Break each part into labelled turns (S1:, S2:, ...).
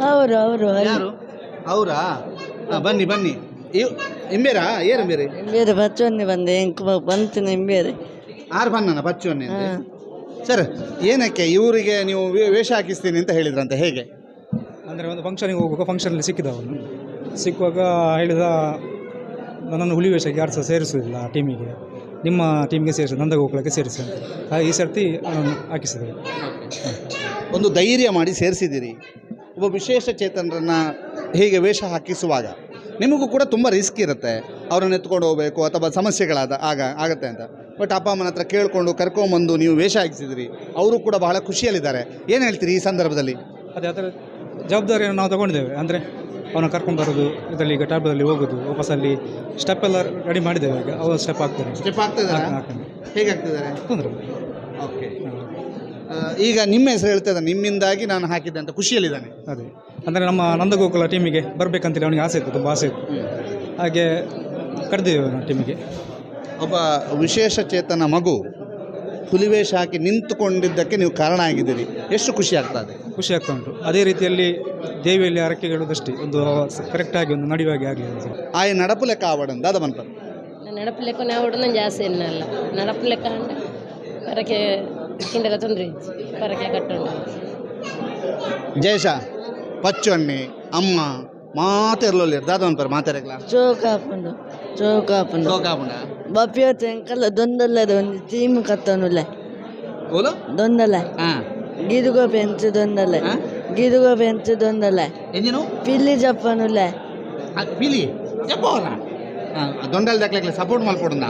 S1: ಅವರು ಅವರು
S2: ಯಾರು ಅವರಾ? ಬನ್ನಿ ಬನ್ನಿ. ಇಂಬೇರಾ ಏರು ಇಂಬೇರಿ
S1: ಬೇರೆ ಬಚ್ಚೊನ್ನೆ ಬಂದೆ ಎಂಕ್ ಬಂತಿನ ಬೇರೆ
S2: ಆರು ಬಣ್ಣನ ಬಚ್ಚೊನ್ನೆ ಸರ್. ಏನಕ್ಕೆ ಇವರಿಗೆ ನೀವು ವೇಷ ಹಾಕಿಸ್ತೀನಿ ಅಂತ ಹೇಳಿದ್ರಂತೆ, ಹೇಗೆ?
S3: ಅಂದರೆ ಒಂದು ಫಂಕ್ಷನಿಗೆ ಹೋಗುವಾಗ ಫಂಕ್ಷನಲ್ಲಿ ಸಿಕ್ಕಿದ ಅವನು. ಸಿಕ್ಕುವಾಗ ಹೇಳಿದ ನನ್ನನ್ನು ಹುಲಿ ವೇಷಕ್ಕೆ ಯಾರು ಸಹ ಸೇರಿಸೋದಿಲ್ಲ ಟೀಮಿಗೆ, ನಿಮ್ಮ ಟೀಮಿಗೆ ಸೇರಿಸಿ ನಂದಗೋಕುಲಕ್ಕೆ ಸೇರಿಸಿ ಅಂತ. ಹಾಗೆ ಈ ಸರ್ತಿ ಅವನನ್ನು ಹಾಕಿಸಿದರು.
S2: ಒಂದು ಧೈರ್ಯ ಮಾಡಿ ಸೇರಿಸಿದ್ದೀರಿ. ಒಬ್ಬ ವಿಶೇಷ ಚೇತನರನ್ನು ಹೀಗೆ ವೇಷ ಹಾಕಿಸುವಾಗ ನಿಮಗೂ ಕೂಡ ತುಂಬ ರಿಸ್ಕ್ ಇರುತ್ತೆ. ಅವರನ್ನು ಎತ್ಕೊಂಡು ಹೋಗಬೇಕು ಅಥವಾ ಸಮಸ್ಯೆಗಳಾದ ಆಗತ್ತೆ ಅಂತ. ಬಟ್ ಅಪ್ಪ ಅಮ್ಮನ ಹತ್ರ ಕೇಳಿಕೊಂಡು ಕರ್ಕೊಂಬಂದು ನೀವು ವೇಷ ಹಾಕಿಸಿದಿರಿ. ಅವರು ಕೂಡ ಬಹಳ ಖುಷಿಯಲ್ಲಿದ್ದಾರೆ. ಏನು ಹೇಳ್ತೀರಿ ಈ ಸಂದರ್ಭದಲ್ಲಿ?
S3: ಅದೇ ಅದರ ಜವಾಬ್ದಾರಿಯನ್ನು ನಾವು ತಗೊಂಡಿದ್ದೇವೆ. ಅಂದರೆ ಅವನ ಕರ್ಕೊಂಡು ಬರೋದು, ಇದರಲ್ಲಿ ಈಗ ಟ್ಯಾಬ್ದಲ್ಲಿ ಹೋಗೋದು, ವಾಪಸ್ಸಲ್ಲಿ ಸ್ಟೆಪ್ ಎಲ್ಲ ರೆಡಿ ಮಾಡಿದ್ದೇವೆ. ಈಗ ಅವರು ಸ್ಟೆಪ್ ಆಗ್ತಾರೆ.
S2: ಸ್ಟೆಪ್ ಆಗ್ತಿದ್ದಾರೆ? ಹೇಗೆ ಆಗ್ತಿದ್ದಾರೆ?
S3: ತೊಂದರೆ.
S2: ಓಕೆ. ಈಗ ನಿಮ್ಮ ಹೆಸರು ಹೇಳ್ತಿದ್ದಾನೆ, ನಿಮ್ಮಿಂದಾಗಿ ನಾನು ಹಾಕಿದ್ದೆ ಅಂತ ಖುಷಿಯಲ್ಲಿದ್ದಾನೆ.
S3: ಅದೇ ಅಂದರೆ ನಮ್ಮ ನಂದಗೋಕುಲ ಟೀಮಿಗೆ ಬರಬೇಕಂತೇಳಿ ಅವನಿಗೆ ಆಸೆ ಇತ್ತು, ತುಂಬ ಆಸೆ ಇತ್ತು. ಹಾಗೆ ಕರೆದಿದ್ದೇವೆ ನಾವು ಟೀಮಿಗೆ.
S2: ಒಬ್ಬ ವಿಶೇಷ ಚೇತನ ಮಗು ಹುಲಿವೇಷ ಹಾಕಿ ನಿಂತುಕೊಂಡಿದ್ದಕ್ಕೆ ನೀವು ಕಾರಣ ಆಗಿದ್ದೀರಿ. ಎಷ್ಟು ಖುಷಿ ಆಗ್ತದೆ?
S3: ಖುಷಿ ಆಗ್ತಾ ಉಂಟು. ಅದೇ ರೀತಿಯಲ್ಲಿ ದೇವಿಯಲ್ಲಿ ಹರಕೆಗಳದಷ್ಟೇ ಒಂದು ಕರೆಕ್ಟಾಗಿ ಒಂದು ನಡೆಯುವಾಗೆ ಆಗಲಿ.
S2: ಆಯ ನಡಪು ಲೆಕ್ಕ ಆವಡನ್ ದಾದ ಮನ್ಪರ್
S4: ನಡಪು ಲೆಕ್ಕ ಆವಡನ ಜಾಸ್ತಿ ಎನ್ನಲ್ಲ. ನಡಪು ಲೆಕ್ಕ ಅಂದ್ರೆ ಪರಕೆ ಹಿಂಡೆಲ್ಲ ತೊಂದರೆ ಪರಕೆ ಕಟ್ಟುಂಡು
S2: ಜಯಶ ಪಚ್ಚೊಣ್ಣೆ ಅಮ್ಮ ಮಾತೆರ್ಲೊಲ್ಲಿ ದಾದ ಮನ್ಪರ್ ಮಾತಾಡಕ್ಲ
S1: ಚೋಕಾಪುಂಡು ಚೋಕಾಪುಂಡು
S2: ಸೋಕಾಪುಂಡ
S1: ಬಪ್ಪಿಯತ್ತು ಎಂಕಲ್ಲ ದೊಂದಲ್ಲದ ಒಂದು ಟೀಮ್ ಕತ್ತನುಲ್ಲ
S2: ಓಲು
S1: ದೊಂದಲ್ಲ
S2: ಹಾಂ
S1: ಗಿದುಗೋ ಪೆಂಚು ದೊಂದಲ್ಲ ಗಿದುಗೋ ಪೆಂಚು ದೊಂದಲ್ಲ
S2: ಎಂಜಿನು
S1: ಪಿಲ್ಲಿ ಜಪ್ಪನುಲ್ಲ
S2: ಪಿಲಿ ಜಪ್ಪವಲ್ಲ ದೊಂಡಲ್ ದಕ್ಲೆಕ್ಲೆ ಸಪೋರ್ಟ್ ಮಾಡ್ಕೊಡಂದ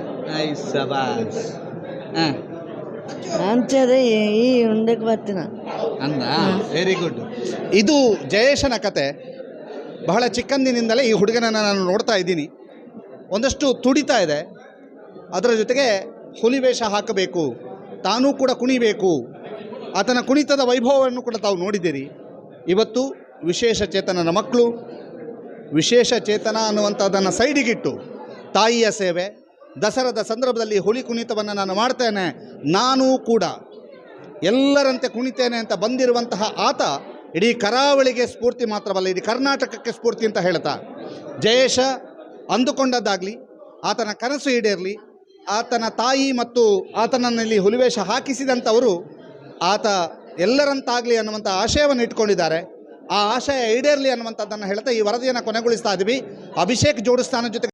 S2: ಸಬಾಸ್ ಹಾಂ
S1: ಅಂಚದೆ ಈ ಉಂಡಕ್ಕೆ ಬರ್ತೀನ
S2: ಅಂದ. Very good. ಇದು ಜಯೇಶನ ಕತೆ. ಬಹಳ ಚಿಕ್ಕಂದಿನಿಂದಲೇ ಈ ಹುಡುಗನನ್ನು ನಾನು ನೋಡ್ತಾ ಇದ್ದೀನಿ. ಒಂದಷ್ಟು ತುಡಿತಾ ಇದೆ. ಅದರ ಜೊತೆಗೆ ಹುಲಿವೇಷ ಹಾಕಬೇಕು, ತಾನೂ ಕೂಡ ಕುಣಿಬೇಕು. ಆತನ ಕುಣಿತದ ವೈಭವವನ್ನು ಕೂಡ ತಾವು ನೋಡಿದ್ದೀರಿ. ಇವತ್ತು ವಿಶೇಷ ಚೇತನನ ಮಕ್ಕಳು ವಿಶೇಷ ಚೇತನ ಅನ್ನುವಂಥದ್ದನ್ನು ಸೈಡಿಗಿಟ್ಟು ತಾಯಿಯ ಸೇವೆ, ದಸರಾದ ಸಂದರ್ಭದಲ್ಲಿ ಹುಲಿ ಕುಣಿತವನ್ನು ನಾನು ಮಾಡ್ತೇನೆ, ನಾನೂ ಕೂಡ ಎಲ್ಲರಂತೆ ಕುಣಿತೇನೆ ಅಂತ ಬಂದಿರುವಂತಹ ಆತ ಇಡೀ ಕರಾವಳಿಗೆ ಸ್ಫೂರ್ತಿ ಮಾತ್ರವಲ್ಲ, ಇಡೀ ಕರ್ನಾಟಕಕ್ಕೆ ಸ್ಫೂರ್ತಿ ಅಂತ ಹೇಳ್ತಾ, ಜಯೇಶ ಅಂದುಕೊಂಡದ್ದಾಗಲಿ, ಆತನ ಕನಸು ಈಡೇರಲಿ, ಆತನ ತಾಯಿ ಮತ್ತು ಆತನಲ್ಲಿ ಹುಲಿವೇಷ ಹಾಕಿಸಿದಂಥವರು ಆತ ಎಲ್ಲರಂತಾಗಲಿ ಅನ್ನುವಂಥ ಆಶಯವನ್ನು ಇಟ್ಕೊಂಡಿದ್ದಾರೆ. ಆ ಆಶಯ ಈಡೇರಲಿ ಅನ್ನುವಂಥದ್ದನ್ನು ಹೇಳ್ತಾ ಈ ವರದಿಯನ್ನು ಕೊನೆಗೊಳಿಸ್ತಾ ಇದ್ದೀವಿ. ಅಭಿಷೇಕ್ ಜೋಡಿಸ್ತಾನ ಜೊತೆ